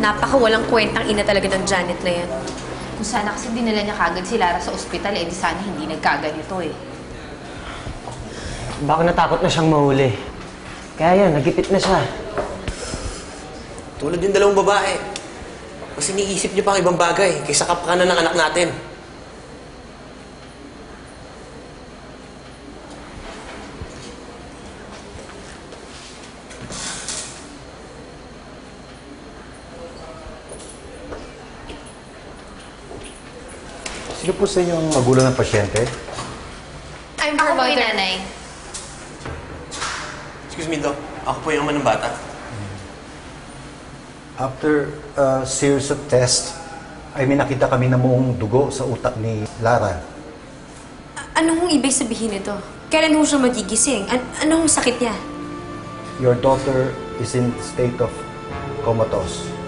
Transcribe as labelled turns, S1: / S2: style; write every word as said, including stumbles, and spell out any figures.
S1: Napaka-walang kwentang ina talaga ng Janet na yan.
S2: Kung sana kasi dinala niya kagad si Lara sa ospital, eh di sana hindi nagkaganito eh.
S3: Baka natakot na siyang mahuli. Kaya yan, nagipit na siya.
S4: Tulad yung dalawang babae. Mas iniisip niyo pa ang ibang bagay kaysa kapakanan ng anak natin.
S5: Sino po sa inyo ang magulang ng pasyente?
S1: I'm
S2: Ako po
S1: her
S2: yung
S1: mother.
S2: nanay.
S4: Excuse me, Doc. Ako po yung ama ng bata.
S5: After a series of tests, ay may nakita kami na muong dugo sa utak ni Lara.
S1: A- Anong ibig sabihin nito? Kailan ho siya magigising? An anong sakit niya?
S5: Your daughter is in state of comatose.